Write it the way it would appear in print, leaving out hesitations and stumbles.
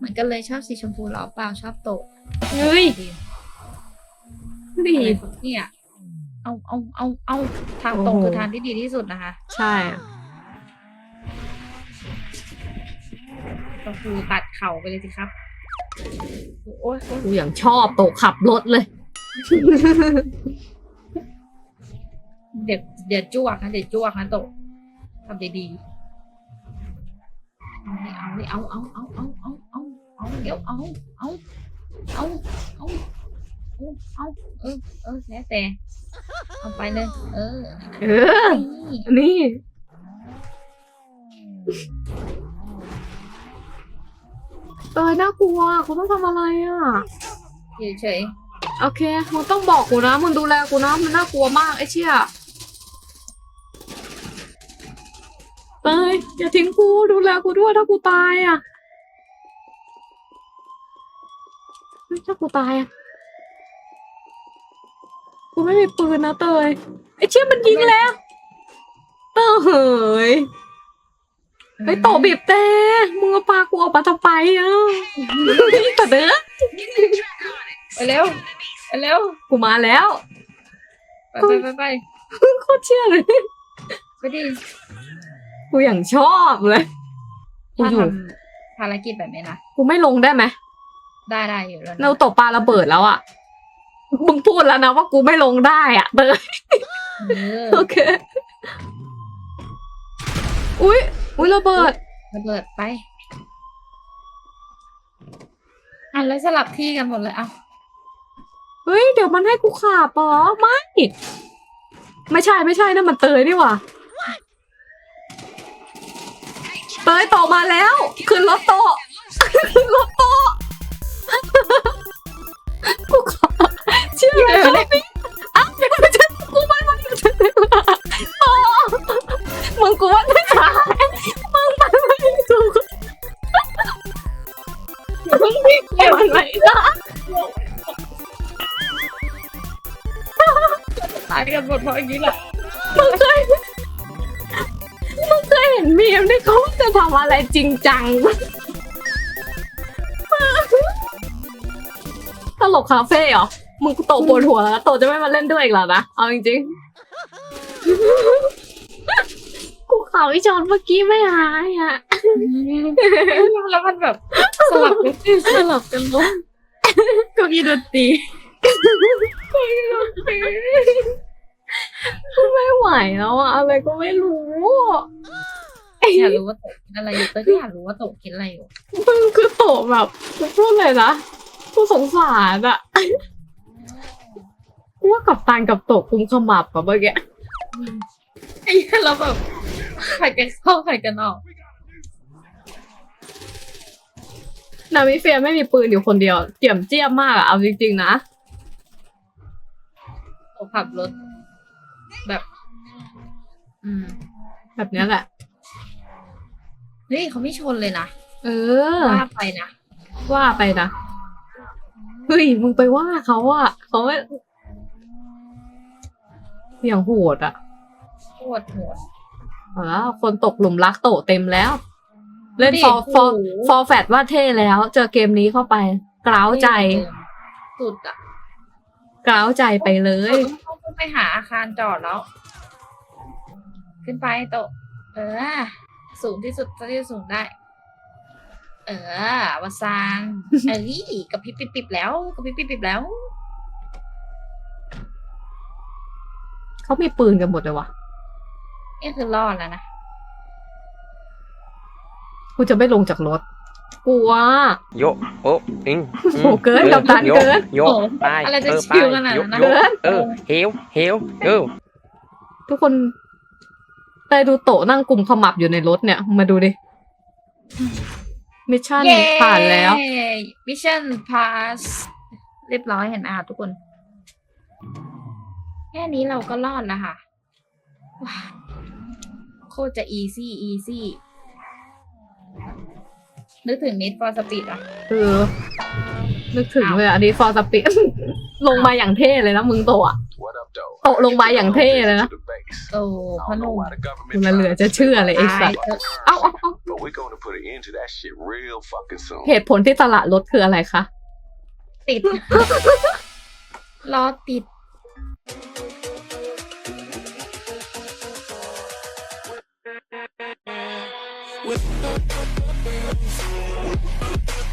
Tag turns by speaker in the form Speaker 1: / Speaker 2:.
Speaker 1: มือนกันเลยชอบสีชมพูหรอเปล่าชอบโตะ
Speaker 2: เฮ้ย ดี
Speaker 1: อะไรของเนี่ยเอาทางตรงคือทางที่ดีที่สุดนะคะ
Speaker 2: ใช่อะ
Speaker 1: ก็คือตัดเข่าไปเลยสิครับโอ้ย
Speaker 2: กูอย่างชอบโตขับรถเลย
Speaker 1: เดี๋ยวจ้วกนะเดี๋ยวจ้วกนะโตะทำดีๆเอาเดี๋ยวแล้วแต่เอาไปเลย
Speaker 2: เออ
Speaker 1: นี่
Speaker 2: นี่ น่ากลัวกูต้องทำอะไรอ่ะ
Speaker 1: เฉย
Speaker 2: โอเค มึงต้องบอกกูนะ มึงดูแลกูนะ มันน่ากลัวมากไอ้เชี่ยเตยอย่าทิ้งกู ดูแลกูด้วยถ้ากูตายอ่ะเฮ้ยถ้ากูตายอ่ะ กูไม่มีปืนนะเตยไอ้เชี่ยมันยิงแล้วเตยเฮ้ย
Speaker 1: ๆ
Speaker 2: เฮ้ยโตบีบแต่มึงเอาปลากูออกมาทำไมอ่ะแต่เด้อ
Speaker 1: ไปเร็วไปเร็ว
Speaker 2: กูมาแล้ว
Speaker 1: ไป
Speaker 2: โคตรเชื่อเลย
Speaker 1: ไปดิ
Speaker 2: กูอย่างชอบเลย กู
Speaker 1: ถ้า
Speaker 2: อยู่
Speaker 1: ทำภารกิจแบบนี้นะ
Speaker 2: กูไม่ลงได้ไหม
Speaker 1: ได้อยู่แล้ว
Speaker 2: เราตกปลาระเบิดแล้วอ่ะ มึงพูดแล้วนะว่ากูไม่ลงได้อ่ะเตย โอเค อุ๊ยระเบิด
Speaker 1: ระเบิดไปแล้วสลับที่กันหมดเลยเอา
Speaker 2: เฮ้ย เดี๋ยวมันให้กูขับเหรอไม่ใช่นั่นมันเตยนี่หว่าเตยโตมาแล้ว ขึ้นรถโตะขึ้นรถโตะกูขอเชื่อเลยอ้าวไม่ใช่กูไม่มาอยู่ที่นี่โตมึงกูว่าไม่ตายมึงมันไม่ถูกมึงไม่เกี่ยวอะไรนะ
Speaker 1: ตายกันหมดเพราะอย่างนี้แหละ
Speaker 2: มึงเคยเห็นมีมที่เขาจะทำอะไรจริงจังตลกคาเฟ่เหรอ มึงโตปวดหัวแล้วโตจะไม่มาเล่นด้วยอีกแล้วนะ เอาจริงๆ กูข่าวอีจอนเมื่อกี้ไม่หายอ่ะ
Speaker 1: แล้วมันแบบสลับกันล้มเก็มีดนตรี
Speaker 2: กูไม่ไหวแล้วอะอะไรก็ไม่รู้
Speaker 1: อยากรู้ว่าโตกินอะไรอยู่ก็อยากรู้ว่าโตกินอะไรอยู่
Speaker 2: มึงคือโตแบบกูพูดเลยนะกูสงสารอะกูว่ากับตานกับโตกุมขมับอะเมื่อกี้
Speaker 1: ไอ้เหี้ยเราแบบใครกันเข้าใครกันออก
Speaker 2: นามิเฟียไม่มีปืนอยู่คนเดียวเจียมเจี้ยมมากอะเอาจริงๆนะ
Speaker 1: โตขับรถแบบ
Speaker 2: แบบเนี้ยแหละ
Speaker 1: เฮ้ยเขาไม่ชนเลยนะ
Speaker 2: เออ
Speaker 1: ว่าไปนะ
Speaker 2: ว่าไปนะเฮ้ยมึงไปว่าเขาอะเขาไม่อย่างโหดอะ
Speaker 1: โคตรโหด
Speaker 2: แล้วคนตกหลุมรักโตเต็มแล้ว เล่น
Speaker 1: ดิ
Speaker 2: ฟอร์
Speaker 1: โอ้โห
Speaker 2: ฟอร์แฟตว่าเท่แล้ว เจอเกมนี้เข้าไปกล้าวใจ
Speaker 1: สุดอ่ะ
Speaker 2: กล้าวใจไปเลย
Speaker 1: ต้องขึ้นไปหาอาคารจอดแล้ว ขึ้นไปโตะสูงที่สุดเท่าที่จะสูงได้ วาซานกับพริบปิบแล้วกับพริบปิบแล้ว
Speaker 2: เขามีปืนกันหมดเลยวะ
Speaker 1: นี่คือรอดแล้วนะ
Speaker 2: กูจะไม่ลงจากรถกลัว
Speaker 3: โยโอ้อิง
Speaker 2: โหเกินกับตันเกิน
Speaker 3: โยไป
Speaker 1: อะไรจะ
Speaker 3: ไป
Speaker 1: ชิวขนาดนั้นนะ
Speaker 3: โยเฮล
Speaker 2: ทุกคนได้ดูโตะนั่งกลุ่มขมับอยู่ในรถเนี่ย มาดูดิ มิชชั่นผ่านแล้ว
Speaker 1: มิชชั่นพาสเรียบร้อยเห็นไหมคะทุกคน แค่นี้เราก็รอดแล้วค่ะว้าวโคตรจะอีซี่นึกถึง Need for Speed อ่ะ
Speaker 2: นึกถึงเลยอันนี้ฟอร์สปีด ลงมาอย่างเท่เลยนะมึงโตะโตะลงมาอย่างเท่เลยนะ
Speaker 1: โอ้พนุ่ม
Speaker 2: กูละเหลือจะเชื่อเลยไอ้สัส
Speaker 1: ตายเถอะ
Speaker 2: เอา
Speaker 4: but we're going to put an end to that shit real fucking soon.
Speaker 2: เหตุผลที่ตลาดรถคืออะไรคะ
Speaker 1: ติด รอติด